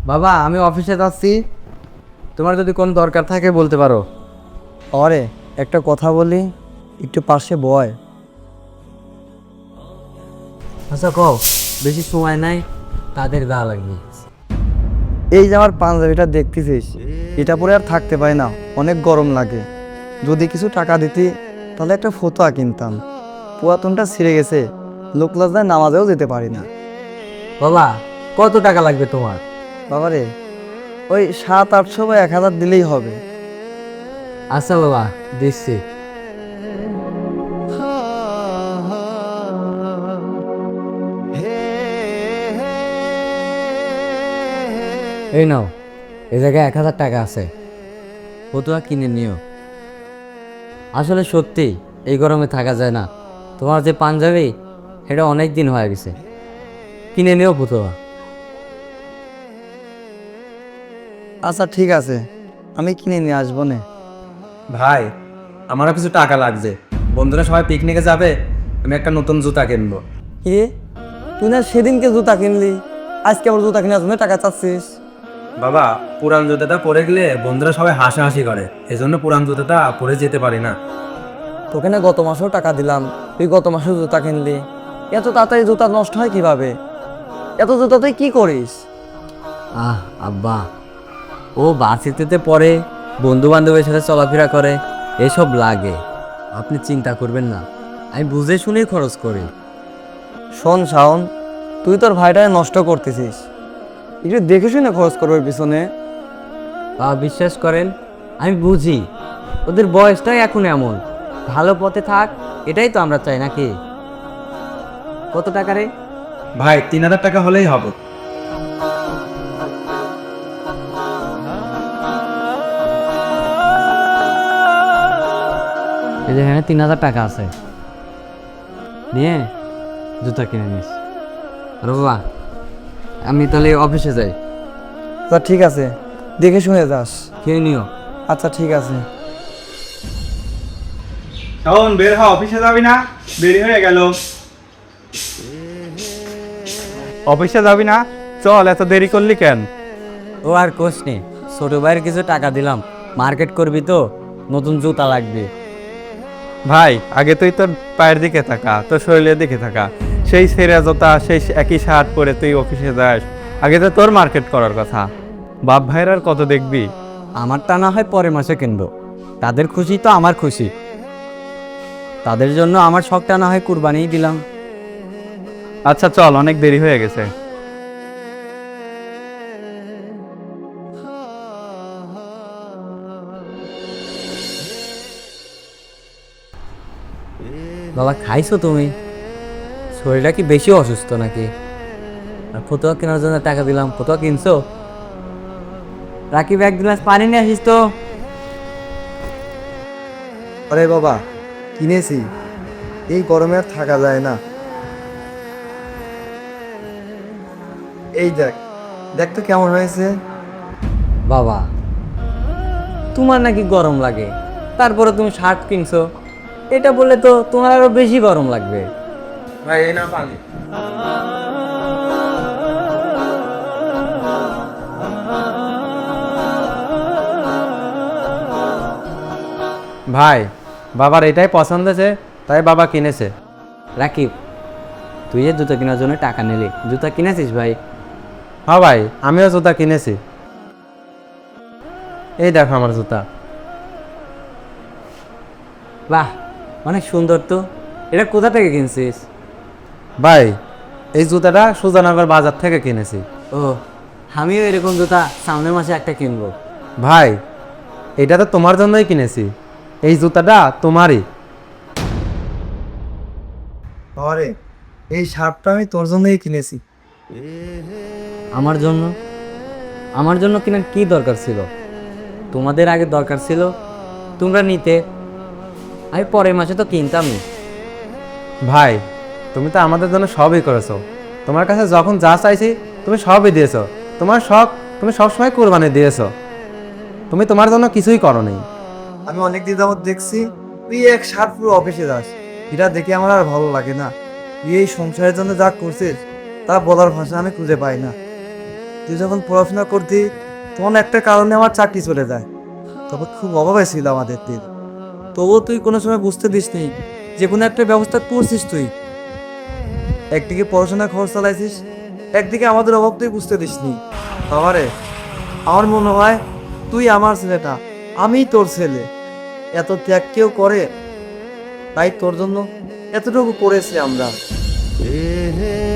বাবা আমি অফিসে যাচ্ছি, তোমার যদি কোনো দরকার থাকে বলতে পারো। অরে একটা কথা বলি, একটু পাশে বয়। আচ্ছা কও, বেশি সময় নাই, তাদের গা লাগবে। এই যে আমার পাঞ্জাবিটা দেখতেছিস, এটা পরে আর থাকতে পারি না, অনেক গরম লাগে। যদি কিছু টাকা দিতি তাহলে একটা ফতুয়া কিনতাম। পুরাতনটা ছিঁড়ে গেছে, লোক লজ্জায় নামাজেও যেতে পারি না। বাবা কত টাকা লাগবে তোমার? বাবারে ওই 700-800 বা 1000 দিলেই হবে। আচ্ছা বাবা দিচ্ছি। এই নাও, এই জায়গায় 1000 টাকা আছে, ফতুয়া কিনে নিও। আসলে সত্যি এই গরমে থাকা যায় না। তোমার যে পাঞ্জাবি এটা অনেক দিন হয়ে গেছে, কিনে নিও ফতুয়া। আচ্ছা ঠিক আছে, আমি কিনে নিয়ে আসবো নে। ভাই, আমারও কিছু টাকা লাগছে। বন্ধুরা সবাই পিকনিকে যাবে, আমি একটা নতুন জুতা কিনবো। কি, তুই না সেদিনকে জুতা কিনলি, আজকে আবার জুতা কিনে আসবো টাকা চাচ্ছিস? বাবা, পুরান জুতাটা পরে গেলে বন্ধুরা সবাই হাসাহাসি করে, এজন্য পুরান জুতাটা পরে যেতে পারি না। তোকে না গত মাসেও টাকা দিলাম, তুই গত মাসেও জুতা কিনলি। এত তাড়াতাড়ি জুতা নষ্ট হয় কিভাবে? এত জুতা তুই কি করিস? আব্বা, ও ভার্সিটিতে পড়ে, বন্ধু বান্ধবের সাথে চলাফেরা করে, এসব লাগে। আপনি চিন্তা করবেন না, আমি বুঝে শুনেই খরচ করি। শোন শাওন, তুই তোর ভাইটাকে নষ্ট করতেছিস, একটু দেখে শুনে খরচ করবে পিছনে। বিশ্বাস করেন, আমি বুঝি ওদের বয়সটাই এখন এমন, ভালো পথে থাক, এটাই তো আমরা চাই নাকি? কত টাকা রে? ভাই 3000 টাকা হলেই হবে। এই যে এখানে 3000 টাকা আছে, নিয়ে জুতা কিনে নিস। আর বাবা আমি তাহলে অফিসে যাই। তা ঠিক আছে, দেখে শুনে যাস। খেয়ে নিও। আচ্ছা ঠিক আছে। শাওন, বের হ, অফিসে যাবি না? দেরি হয়ে গেল। অফিসে যাবি না? চল, এত দেরি করলি কেন? ও আর কোচ নেই, ছোট ভাইয়ের কিছু টাকা দিলাম, মার্কেট করবি তো, নতুন জুতা লাগবে। ভাই, আগে তুই তোর পায়ের দিকে থাকা, তোর শরীরের দিকে থাকা। সেই ছেঁড়া জোতা, সেই একই শার্ট পরে তুই অফিসে যাস, আগে তো তোর মার্কেট করার কথা। বাপ ভাইয়ের আর কত দেখবি? আমারটা না হয় পরের মাসে কিনবো, তাদের খুশি তো আমার খুশি, তাদের জন্য আমার শখটা না হয় কুরবানিই দিলাম। আচ্ছা চল, অনেক দেরি হয়ে গেছে। বাবা খাইছো তুমি? শরীরটা কি বেশি অসুস্থ নাকি? আর ফতুয়া কেনার জন্য টাকা দিলাম, ফতুয়া কিনছো? রাকিব এক গ্লাস পানি নিয়ে আসিস তো। আরে বাবা, কিনেছি, এই গরমে আর থাকা যায় না। এই দেখ, দেখ তো কেমন হয়েছে। বাবা তোমার নাকি গরম লাগে, তারপরে তুমি শার্ট কিনছো, এটা বললে তো তোমার আরো বেশি গরম লাগবে। ভাই এই না পানি। ভাই, বাবার এটাই পছন্দ হয়েছে, তাই বাবা কিনেছে। রাকিব, তুই যে জুতা কেনার জন্য টাকা নিলি, জুতা কিনেছিস ভাই? হ্যাঁ ভাই, আমিও জুতা কিনেছি। এই দেখো আমার জুতা। বাহ, অনেক সুন্দর তো। এটা কোথা থেকে কিনছিস? ভাই, এই জুতাটা সুজানগর বাজার থেকে কিনেছি। ও, আমিও এরকম জুতা সামনের মাসে একটা কিনবো। ভাই, এটা তো তোমার জন্যই কিনেছি, এই জুতাটা তোমারই। আরে এই শার্টটা আমি তোর জন্যই কিনেছি। আমার জন্য? আমার জন্য কেনার কি দরকার ছিল? তোমাদের আগে দরকার ছিল, তোমরা নিতে, আমি পরের মাসে তো কিনতামই। ভাই, তুমি তো আমাদের জন্য সবই করেছো, তোমার কাছে যখন যা চাইছি তুমি সবই দিয়েছো। তোমার শখ তুমি সবসময় কোরবানি দিয়েছো, তুমি তোমার জন্য কিছুই করোনি। আমি অনেক দিন যাবত দেখছি তুই এক শার্ট পুরো অফিসে যাস, এটা দেখে আমার আর ভালো লাগে না। তুই এই সংসারের জন্য যা করছিস তা বলার ভাষা আমি খুঁজে পাই না। তুই যখন পড়াশোনা করতি তখন একটা কারণে আমার চাকরি চলে যায়, তখন খুব অভাবে ছিল আমাদের দিন। তবুও তুই কোনো সময় বুঝতে দিসনি যে কোনো একটা ব্যবস্থা করছিস তুই। একদিকে পড়াশোনা খরচ চালাইছিস, একদিকে আমাদের অভাব তুই বুঝতে দিসনি। বাবারে, আমার মনে হয় তুই আমার ছেলেটা, আমিই তোর ছেলে। এত ত্যাগ কেউ করে? তাই তোর জন্য এতটুকু করেছি আমরা।